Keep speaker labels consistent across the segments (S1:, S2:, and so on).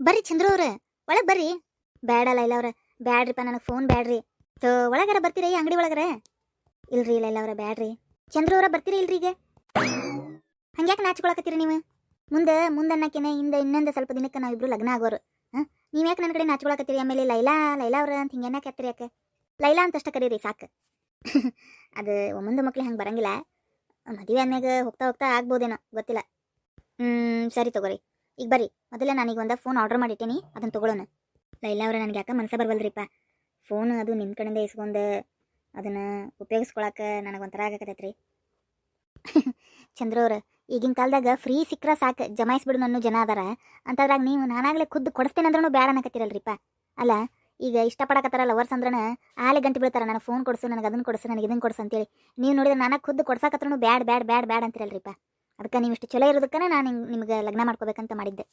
S1: ಬರ್ರಿ ಚಂದ್ರು ಅವ್ರ ಒಳಗ್ ಬರ್ರಿ. ಬೇಡಲ್ಲ ಇಲ್ಲ ಅವ್ರ, ಬ್ಯಾಡ್ರಿಪ್ಪ, ನನಗೆ ಫೋನ್ ಬ್ಯಾಡ್ರಿ. ಒಳಗಾರ ಬರ್ತೀರಿ ಅಂಗಡಿ ಒಳಗಾರ? ಇಲ್ರಿ ಇಲ್ಲ ಅವ್ರ ಬ್ಯಾಡ್ರಿ. ಚಂದ್ರು ಅವ್ರ ಬರ್ತೀರಿ ಇಲ್ರಿ ಈಗ? ಹಂಗ್ಯಾಕೆ ನಾಚ್ಕೊಳಕತ್ತೀರಿ ನೀವು? ಮುಂದನ್ನಕ್ಕೇನೆ ಹಿಂದೆ ಇನ್ನೊಂದು ಸ್ವಲ್ಪ ದಿನಕ್ಕೆ ನಾವಿಬ್ರು ಲಗ್ನ ಆಗೋರು. ನೀವು ಯಾಕೆ ನನ್ನ ಕಡೆ ನಾಚ್ಕೊಳಕತ್ತೀರಿ? ಆಮೇಲೆ ಲೈಲಾ ಲೈಲಾ ಅವ್ರ ಅಂತ ಹಿಂಗೆ ಏನಕ್ಕೆ ಹತ್ತೀರಿ? ಯಾಕೆ ಲೈಲಾ ಅಂತಷ್ಟ ಕರೀರಿ ಸಾಕು. ಅದು ಒಮ್ಮಂದು ಮಕ್ಳು ಹಂಗೆ ಬರಂಗಿಲ್ಲ. ಮದುವೆ ಆದ್ಮ್ಯಾಗ ಹೋಗ್ತಾ ಹೋಗ್ತಾ ಆಗ್ಬೋದೇನೋ ಗೊತ್ತಿಲ್ಲ. ಸರಿ ತಗೋರಿ. ಈಗ ಬರ್ರಿ, ಮೊದಲೇ ನಾನೀಗ ಒಂದು ಫೋನ್ ಆರ್ಡರ್ ಮಾಡಿಟ್ಟೀನಿ, ಅದನ್ನು ತೊಗೊಳೋಣ. ಲೈಲಾ ಅವ್ರ ನನಗೆ ಯಾಕೆ ಮನಸ್ಸೇ ಬರ್ವಲ್ರಿಪ್ಪ. ಫೋನ್ ಅದು ನಿಮ್ಮ ಕಡೆಯಿಂದ ಇಸ್ಕೊಂಡು ಅದನ್ನು ಉಪಯೋಗಿಸ್ಕೊಳಕ್ಕೆ ನನಗೊಂಥರ ಆಗಕತ್ತೈತ್ರಿ. ಚಂದ್ರವ್ರ, ಈಗಿನ ಕಾಲದಾಗ ಫ್ರೀ ಸಿಕ್ಕ್ರ ಸಾಕು ಜಮಾಯಿಸ್ಬಿಡು ಅನ್ನೋ ಜನ ಅದಾರ. ಅಂತದ್ರಾಗ ನೀವು ನಾನಾಗಲೇ ಖುದ್ದು ಕೊಡಿಸ್ತೇನೆ ಅಂದ್ರೂ ಬೇಡ ಅನ್ನಕತ್ತೀರಲ್ರಿಪ್ಪ. ಅಲ್ಲ, ಈಗ ಇಷ್ಟಪಡಕತ್ತಾರ ಲವರ್ಸ್ ಅಂದ್ರನ ಆಲೆ ಗಂಟೆ ಬೀಳ್ತಾರ, ನನಗೆ ಫೋನ್ ಕೊಡಿಸು, ನನಗೆ ಅದನ್ನು ಕೊಡಿಸು, ನನಗೆ ಇದನ್ನು ಕೊಡಿಸು ಅಂತೇಳಿ. ನೀವು ನೋಡಿದ್ರೆ ನಾನು ಖುದ್ದು ಕೊಡ್ಸಾಕತ್ರನು ಬ್ಯಾಡ್ ಬ್ಯಾಡ್ ಬ್ಯಾಡ್ ಬ್ಯಾಡ್ ಅಂತಿರಲ್ರಿಪ್ಪ. ಅದಕ್ಕೆ ನೀವು ಇಷ್ಟು ಚಲೋ ಇರೋದಕ್ಕನ ನಾನು ನಿಮ್ಗೆ ಲಗ್ನ ಮಾಡ್ಕೋಬೇಕಂತ ಮಾಡಿದ್ದೆ.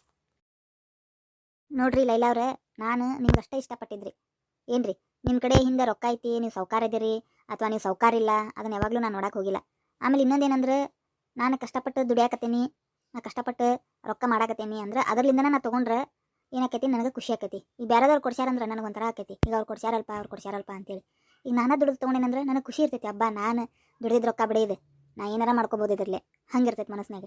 S1: ನೋಡ್ರಿ ಲೈಲಾ ಅವ್ರೆ, ನಾನು ನಿಮ್ಗೆ ಅಷ್ಟೇ ಇಷ್ಟಪಟ್ಟಿದ್ರಿ ಏನ್ರಿ. ನಿಮ್ಮ ಕಡೆ ಹಿಂದೆ ರೊಕ್ಕ ಐತಿ, ನೀವು ಸೌಕಾರ ಇದ್ದೀರಿ ಅಥವಾ ನೀವು ಸೌಕಾರ ಇಲ್ಲ, ಅದನ್ನ ಯಾವಾಗಲೂ ನಾನು ನೋಡಕ್ಕೆ ಹೋಗಿಲ್ಲ. ಆಮೇಲೆ ಇನ್ನೊಂದೇನಂದ್ರೆ, ನಾನು ಕಷ್ಟಪಟ್ಟು ದುಡಿಯಾಕತ್ತೀನಿ, ನಾ ಕಷ್ಟಪಟ್ಟು ರೊಕ್ಕ ಮಾಡಾಕತ್ತೀನಿ ಅಂದ್ರೆ ಅದರ್ಲಿಂದನೇ ನಾ ತೊಗೊಂಡ್ರೆ ಏನಾಕೈತಿ, ನನಗೆ ಖುಷಿ ಆಕೈತಿ. ಈಗ ಬೇರೆದವ್ರು ಕೊಡ್ಸ್ಯಾರಂದ್ರೆ ನನಗೊಂಥರ ಆಕೈತಿ, ಈಗ ಅವ್ರು ಕೊಡ್ಸ್ಯಾರಲ್ಪ ಅಂತೇಳಿ. ಈಗ ನಾನು ದುಡಿದು ತೊಗೊಂಡೇನಂದ್ರೆ ನನಗೆ ಖುಷಿ ಇರ್ತೈತಿ. ಹಬ್ಬ, ನಾನು ದುಡಿದಿದ್ದು ರೊಕ್ಕ ಬಿಡಿದೆ, ನಾ ಏನಾರ ಮಾಡ್ಕೋಬೋದು ಇದ್ರಲ್ಲೇ, ಹಂಗಿರ್ತೈತಿ ಮನಸ್ಸಿನಾಗ.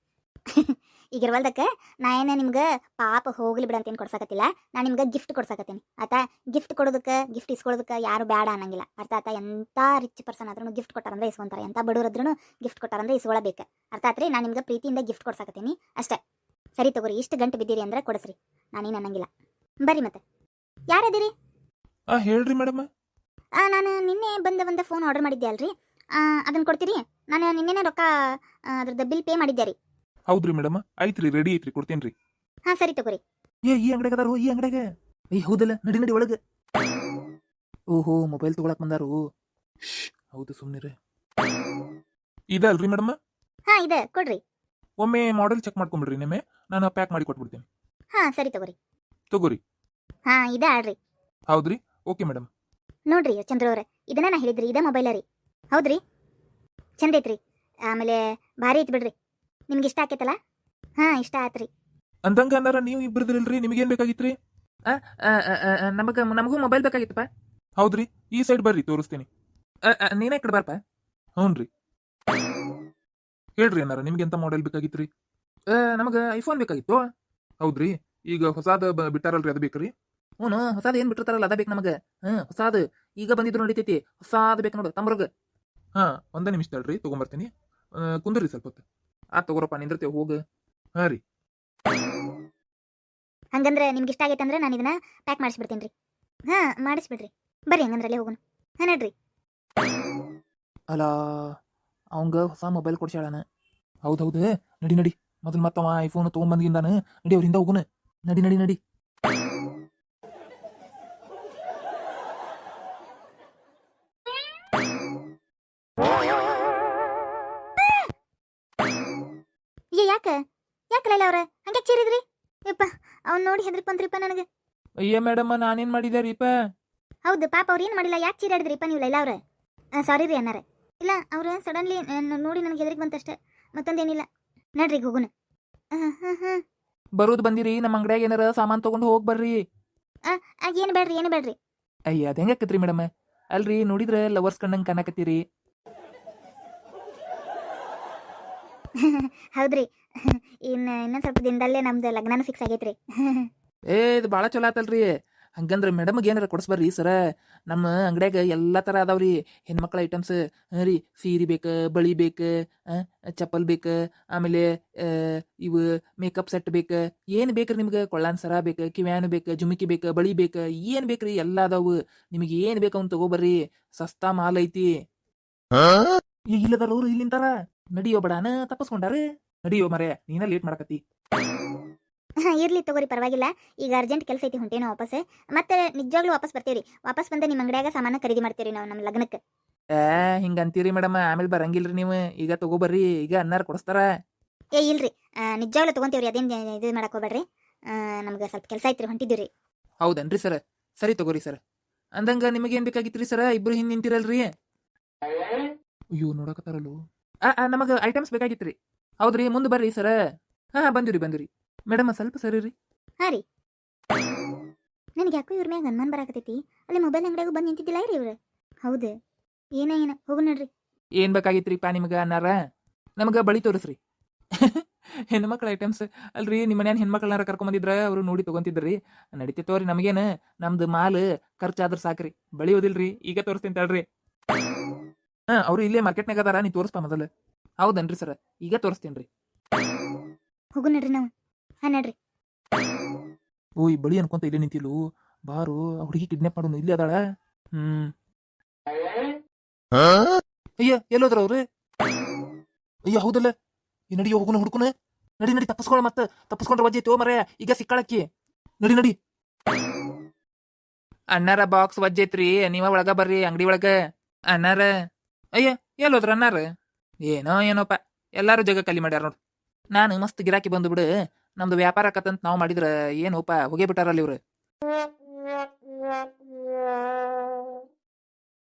S1: ಈಗ ಇರ್ವಲ್ದಕ್ಕೆ ನಾ ಏನೇ ನಿಮ್ಗೆ ಪಾಪ ಹೋಗ್ಲಿ ಬಿಡ ಅಂತೇನು ಕೊಡ್ಸಾಕತ್ತಿಲ್ಲ, ನಾನು ನಿಮ್ಗೆ ಗಿಫ್ಟ್ ಕೊಡ್ಸಾಕತ್ತೀನಿ ಆತಾ. ಗಿಫ್ಟ್ ಕೊಡೋದಕ್ಕೆ, ಗಿಫ್ಟ್ ಇಸ್ಕೊಳ್ಳೋದಕ್ಕೆ ಯಾರು ಬೇಡ ಅನ್ನಂಗಿಲ್ಲ, ಅರ್ಥ ಆತಾ. ಎಂಥ ರಿಚ್ ಪರ್ಸನ್ ಆದ್ರೂ ಗಿಫ್ಟ್ ಕೊಟ್ಟಾರಂದ್ರೆ ಇಸ್ಕೊಂತಾರೆ, ಎಂಥ ಬಡವರಾದ್ರೂ ಗಿಫ್ಟ್ ಕೊಟ್ಟಾರಂದ್ರೆ ಇಸ್ಕೊಳ್ಳಬೇಕು, ಅರ್ಥ ಆತ್ರಿ. ನಾನು ನಿಮ್ಗೆ ಪ್ರೀತಿಯಿಂದ ಗಿಫ್ಟ್ ಕೊಡ್ಸಾಕತ್ತೀನಿ ಅಷ್ಟೇ. ಸರಿ ತಗೋರಿ, ಇಷ್ಟು ಗಂಟೆ ಬಿದ್ದೀರಿ ಅಂದ್ರೆ ಕೊಡಿಸ್ರಿ, ನಾನೇನು ಅನ್ನಂಗಿಲ್ಲ. ಬರ್ರಿ ಮತ್ತೆ. ಯಾರದಿರಿ?
S2: ಹೇಳ್ರಿ ಮೇಡಮ್.
S1: ನಾನು ನಿನ್ನೆ ಒಂದು ಫೋನ್ ಆರ್ಡರ್ ಮಾಡಿದ್ದೆ ಅಲ್ರಿ, ಅದನ್ನು ಕೊಡ್ತೀರಿ? ನಾನು ನಿನ್ನೆನೇ ರೊಕ್ಕ ಅದ್ರದ್ದು ಬಿಲ್ ಪೇ ಮಾಡಿದ್ದೆ ರೀ.
S2: ಹೌದ್ರಿ ಮೇಡಮ್, ಐತ್ರಿ, ರೆಡಿ ಐತ್ರಿ, ಕೊಡ್ತೇನ್ರಿ.
S1: ಹಾಂ ಸರಿ ತಗೋರಿ.
S3: ಈ ಅಂಗಡಿಗೆ ಅದಾರು, ಈ ಅಂಗಡಿಗೆ. ಹೌದಲ್ಲ, ನಡಿ ನಡಿ ಒಳಗೆ. ಓಹೋ, ಮೊಬೈಲ್ ತಗೊಳಕ್ ಬಂದಾರು. ಹೌದು, ಸುಮ್ಮನಿರಿ.
S2: ಇದಲ್ರಿ ಮೇಡಮ್?
S1: ಹಾಂ ಇದೆ, ಕೊಡ್ರಿ.
S2: ಒಮ್ಮೆ ಮಾಡೆಲ್ ಚೆಕ್ ಮಾಡ್ಕೊಂಬಿಡ್ರಿ, ನಿಮ್ಮೆ ನಾನು ಪ್ಯಾಕ್ ಮಾಡಿ ಕೊಟ್ಬಿಡ್ತೀನಿ.
S1: ಹಾಂ ಸರಿ ತಗೋರಿ.
S2: ತಗೋರಿ.
S1: ಹಾಂ ಇದೆ ಆಡ್ರಿ.
S2: ಹೌದ್ರಿ, ಓಕೆ ಮೇಡಮ್.
S1: ನೋಡ್ರಿ ಚಂದ್ರ ಅವ್ರೆ, ಇದನ್ನ ನಾ ಹೇಳಿದ್ರಿ, ಇದೇ ಮೊಬೈಲ ರೀ. ಹೌದ್ರಿ, ಚಂದ ಐತ್ರಿ, ಆಮೇಲೆ ಭಾರಿ ಐತಿ ಬಿಡ್ರಿ. ನಿಮ್ಗೆ ಇಷ್ಟ ಆಕೈತಲ್ಲ? ಹಾಂ ಇಷ್ಟ ಆತ್ರಿ.
S2: ಅಂದಂಗ ಅನ್ನಾರ ನೀವು ಇಬ್ಬರದಿರಲ್ರಿ, ನಿಮಗೇನ್ ಬೇಕಾಗಿತ್ರಿ?
S3: ನಮಗೂ ಮೊಬೈಲ್ ಬೇಕಾಗಿತ್ತಪ್ಪ.
S2: ಹೌದ್ರಿ, ಈ ಸೈಡ್ ಬರ್ರಿ, ತೋರಿಸ್ತೀನಿ.
S3: ನೀನೇ ಕಡೆ ಬಾರಪ್ಪ.
S2: ಹ್ಞೂನ್ರಿ, ಹೇಳ್ರಿ ಅನ್ನಾರ, ನಿಮ್ಗೆ ಎಂತ ಮಾಡೆಲ್ ಬೇಕಾಗಿತ್ರಿ?
S3: ನಮಗೆ ಐಫೋನ್ ಬೇಕಾಗಿತ್ತು.
S2: ಹೌದ್ರಿ, ಈಗ ಹೊಸಾದ ಬಿಟ್ಟಾರಲ್ರಿ, ಅದು ಬೇಕ್ರಿ?
S3: ಹ್ಞೂ, ಹೊಸಾದ್ ಏನ್ ಬಿಟ್ಟಿರ್ತಾರಲ್ಲ ಅದ ಬೇಕು ನಮಗೆ. ಹೊಸಾದ್ ಈಗ ಬಂದಿದ್ರು ನಡೀತೈತಿ, ಹೊಸಾದ್ ಬೇಕು ನೋಡು ತಮ್ಮರ್ಗ.
S2: ಹಾ, ಒಂದೇ ನಿಮಿಷ ತಡ್ರಿ, ತಗೊಂಬರ್ತೀನಿ. ಕುಂದ್ರಿ ಸ್ವಲ್ಪ ಹೊತ್ತು.
S3: ತಗೋರಪ್ಪ, ನಿಂದಿರ್ತೇವೆ, ಹೋಗು.
S2: ಹಾಂ ರೀ.
S1: ಹಂಗಂದ್ರೆ ನಿಮ್ಗೆ ಇಷ್ಟ ಆಗೈತೆ ಅಂದ್ರೆ ನಾನು ಇದನ್ನ ಪ್ಯಾಕ್ ಮಾಡಿಸ್ಬಿಡ್ತೀನಿ ರೀ. ಹಾಂ ಮಾಡಿಸ್ಬಿಡ್ರಿ, ಬರ್ರಿ ಹಂಗಂದ್ರಲ್ಲೇ ಹೋಗೋಣ. ಹಾಂ ನಡ್ರಿ.
S3: ಅಲ್ಲ, ಅವಂಗ ಹೊಸ ಮೊಬೈಲ್ ಕೊಡ್ಸ್ಯಾಳನ.
S2: ಹೌದೌದು, ನಡಿ ನಡಿ, ಮೊದಲು ಮತ್ತವ ಐಫೋನ್ ತೊಗೊಂಬಂದಿದ್ದಾನ, ನಡಿ ಅವ್ರಿಂದ ಹೋಗುನ.
S3: ನಡಿ ನಡಿ ನಡಿ.
S1: ಯಾಕೆ ಲೈಲ ಅವ್ರ ಹಂಗೆ ಚೀರಿದ್ರಿ? ಯಪ್ಪ, ಅವ್ನು ನೋಡಿ ಹೆದ್ರಿಕ್ ಬಂದ್ರಿಪ್ಪ ನನಗೆ.
S2: ಅಯ್ಯ ಮೇಡಮ್, ನಾನೇನ್ ಮಾಡಿದೆ ರೀಪ?
S1: ಹೌದು ಪಾಪ, ಅವ್ರು ಏನು ಮಾಡಿಲ್ಲ, ಯಾಕೆ ಚೀರಾಡಿದ್ರಿಪ್ಪ ನೀವು ಲೈಲಾ ಅವ್ರೆ? ಸಾರಿ ರೀ ಅನ್ನಾರೆ. ಇಲ್ಲ, ಅವ್ರು ಸಡನ್ಲಿ ನೋಡಿ ನನಗೆ ಹೆದರಿಕೆ ಬಂತಷ್ಟೇ, ಮತ್ತೊಂದೇನಿಲ್ಲ. ನಡ್ರಿ ಹೋಗುನ.
S3: ಬರೋದು ಬಂದಿರಿ, ನಮ್ಮ ಅಂಗಡಿಯಾಗ ಏನಾರ ಸಾಮಾನು ತಗೊಂಡು ಹೋಗಿ ಬರ್ರಿ.
S1: ಏನು ಬೇಡ್ರಿ.
S3: ಅಯ್ಯ, ಅದ ಹೆಂಗಾಕತ್ರಿ ಮೇಡಮ್? ಅಲ್ರಿ, ನೋಡಿದ್ರೆ ಲವರ್ಸ್ ಕಣ್ಣಂಗೆ ಕಾಣಕತ್ತೀರಿ.
S1: ಹೌದ್ರಿ, ಇನ್ನೊಂದು ಸ್ವಲ್ಪ ದಿನದಲ್ಲೇ ನಮ್ದು ಲಗ್ನನೂ ಫಿಕ್ಸ್ ಆಗೈತ್ರಿ.
S3: ಇದು ಭಾಳ ಚಲೋ ಆತಲ್ರಿ. ಹಂಗಂದ್ರೆ ಮೇಡಮ್ಗೆ ಏನಾರ ಕೊಡಿಸ್ಬರ್ರಿ ಸರ. ನಮ್ಮ ಅಂಗಡ್ಯಾಗ ಎಲ್ಲ ಥರ ಅದಾವ್ರಿ ಹೆಣ್ಮಕ್ಳ ಐಟಮ್ಸ್. ರೀ, ಸೀರೆ ಬೇಕು, ಬಳಿ ಬೇಕು, ಚಪ್ಪಲ್ ಬೇಕು, ಆಮೇಲೆ ಇವು ಮೇಕಪ್ ಸೆಟ್ ಬೇಕು. ಏನು ಬೇಕ್ರಿ ನಿಮ್ಗೆ? ಕೊಳ್ಳಾನ್ ಸರ ಬೇಕು, ಕಿವ್ಯಾನು ಬೇಕು, ಜುಮಿಕಿ ಬೇಕು, ಬಳಿ ಬೇಕು, ಏನು ಬೇಕ್ರಿ ಎಲ್ಲ ಅದಾವು. ನಿಮಗೆ ಏನು ಬೇಕು ಅವ್ನು ತಗೋಬರ್ರಿ, ಸಸ್ತಾ ಮಾಲ್ ಐತಿ. ಇಲ್ಲದಾರ ಅವ್ರು ಇಲ್ಲಿಂತಾರ. ನಡಿಯೋ ಬಡಾನ ತಪ್ಪಸ್ಕೊಂಡಾರ. ನಡಿಯೋ ಮರೆ, ನೀನ ಲೇಟ್ ಮಾಡಕತ್ತಿ.
S1: ಇರ್ಲಿ ತಗೋರಿ, ಪರವಾಗಿಲ್ಲ. ಈಗ ಅರ್ಜೆಂಟ್ ಕೆಲಸ ಐತಿ, ಹೊಂಟೇನೋ ವಾಪಸ್. ಮತ್ತೆ ನಿಜವಾಗ್ಲೂ ವಾಪಸ್ ಬರ್ತೀವಿ. ವಾಪಸ್ ಬಂದು ನಿಮ್ಮ ಅಂಗಡಿಯಾಗ ಸಾಮಾನು ಖರೀದಿ ಮಾಡ್ತೀವಿ ನಾವು ನಮ್ಮ ಲಗ್ನಕ್ಕೆ.
S3: ಹಿಂಗ ಅಂತೀರಿ ಮೇಡಮ್, ಆಮೇಲೆ ಬರಂಗಿಲ್ರಿ ನೀವು. ಈಗ ತಗೋಬರ್ರಿ, ಈಗ ಅನ್ನಾರ ಕೊಡಿಸ್ತಾರ.
S1: ಇಲ್ರಿ, ನಿಜವಾಗ್ಲೂ ತೊಗೊಂತೀವ್ರಿ, ಅದೇನು ಇದು ಮಾಡಕ್ ಹೋಗ್ಬೇಡ್ರಿ. ನಮ್ಗೆ ಸ್ವಲ್ಪ ಕೆಲಸ ಐತ್ರಿ, ಹೊಂಟಿದ್ದೀವಿ.
S3: ಹೌದನ್ರಿ ಸರ್? ಸರಿ ತಗೋರಿ ಸರ್. ಅಂದಂಗ ನಿಮಗೇನು ಬೇಕಾಗಿತ್ರಿ ಸರ? ಇಬ್ರು ಹಿಂದೆ ನಿಂತಿರಲ್ರಿ.
S2: ಅಯ್ಯೋ, ನೋಡಕತ್ತಾರಲ್ಲೋ.
S3: ನಮಗೆ ಐಟಮ್ಸ್ ಬೇಕಾಗಿತ್ರಿ. ಹೌದ್ರಿ, ಮುಂದೆ ಬರ್ರಿ ಸರ. ಹಾಂ ಬಂದಿರಿ. ಮೇಡಮ್ ಸ್ವಲ್ಪ ಸರಿ ರೀ.
S1: ಹಾಂ ರೀ. ನನಗೆ ಯಾಕೋ ಇವ್ರ ಮ್ಯಾಗ ಅನುಮಾನ ಬರಾಕತೈತಿ. ಅಲ್ಲಿ ಮೊಬೈಲ್ ಅಂಗಡಿಯಾಗೂ ಬಂದು ನಿಂತಿದ್ದಿಲ್ಲ ರೀ ಇವ್ರು. ಹೌದು, ಏನ ಹೋಗು ನಡ್ರಿ.
S3: ಏನ್ ಬೇಕಾಗಿತ್ರಿಪ್ಪ ನಿಮ್ಗೆ ಅನ್ನಾರ? ನಮ್ಗೆ ಬಳಿ ತೋರಿಸ್ರಿ. ಹೆಣ್ಮಕ್ಳ ಐಟಮ್ಸ್ ಅಲ್ರಿ, ನಿಮ್ಮ ಮನ್ಯಾನ ಹೆಣ್ಮಕ್ಳನ್ನಾರ ಕರ್ಕೊಂಬಂದಿದ್ರ ಅವ್ರು ನೋಡಿ ತಗೊಂತಿದ್ರಿ. ನಡಿತೈತವ್ರಿ, ನಮಗೇನು ನಮ್ದು ಮಾಲ್ ಖರ್ಚಾದ್ರ ಸಾಕ್ರಿ. ಬಳಿ ಓದಿಲ್ರಿ, ಈಗ ತೋರಿಸ್ತೀನಿ ತಡ್ರಿ. ಅವ್ರು ಇಲ್ಲೇ ಮಾರ್ಕೆಟ್ನಾಗ ಅದಾರ, ನೀ ತೋರಿಸ್ಪ ಮೊದಲು. ಹೌದನ್ರಿ ಸರ್, ಈಗ ತೋರಿಸ್ತೀನಿ.
S1: ಹೋಗು ನಡ್ರಿ ನಾವು. ಹಾ ನಡ್ರಿ.
S2: ಓಯ್ ಬಳಿ ಅನ್ಕೊಂತ ಇಲ್ಲೇ ನಿಂತಿಲು, ಬಾರು ಆ ಹುಡುಗಿ ಕಿಡ್ನಾಪ್ ಮಾಡೋನು ಇಲ್ಲಿ ಅದಾಳ.
S3: ಅಯ್ಯ ಎಲ್ಲೋದ್ರ ಅವ್ರು?
S2: ಅಯ್ಯ ಹೌದಲ್ಲ, ಈ ನಡಿ ಹೋಗುನ ಹುಡುಕುನ.
S3: ನಡಿ ನಡಿ, ತಪ್ಪಿಸ್ಕೊಳ, ಮತ್ತೆ ತಪ್ಪಿಸ್ಕೊಂಡ್ರೆ ವಜ್ಜೆ ತೋ ಮರ, ಈಗ ಸಿಕ್ಕಾಳಕ್ಕಿ.
S2: ನಡಿ ನಡಿ.
S3: ಅಣ್ಣಾರ ಬಾಕ್ಸ್ ವಜ್ಜೈತ್ರಿ, ನೀವ ಒಳಗ ಬರ್ರಿ ಅಂಗಡಿ ಒಳಗ. ಅಣ್ಣಾರ, ಅಯ್ಯ ಎಲ್ಲೋದ್ರ ಅಣ್ಣಾರ? ಏನೋಪ್ಪ, ಎಲ್ಲಾರು ಜಗ ಕಲಿ ಮಾಡ್ಯಾರ ನೋಡ್ರಿ. ನಾನು ಮಸ್ತ್ ಗಿರಾಕಿ ಬಂದು ಬಿಡು, ನಮ್ದು ವ್ಯಾಪಾರ ಆಕತ್ತಂತ ನಾವು ಮಾಡಿದ್ರ ಏನೋಪ ಹೋಗೇ ಬಿಟ್ಟಾರಲ್ಲ ಇವ್ರು.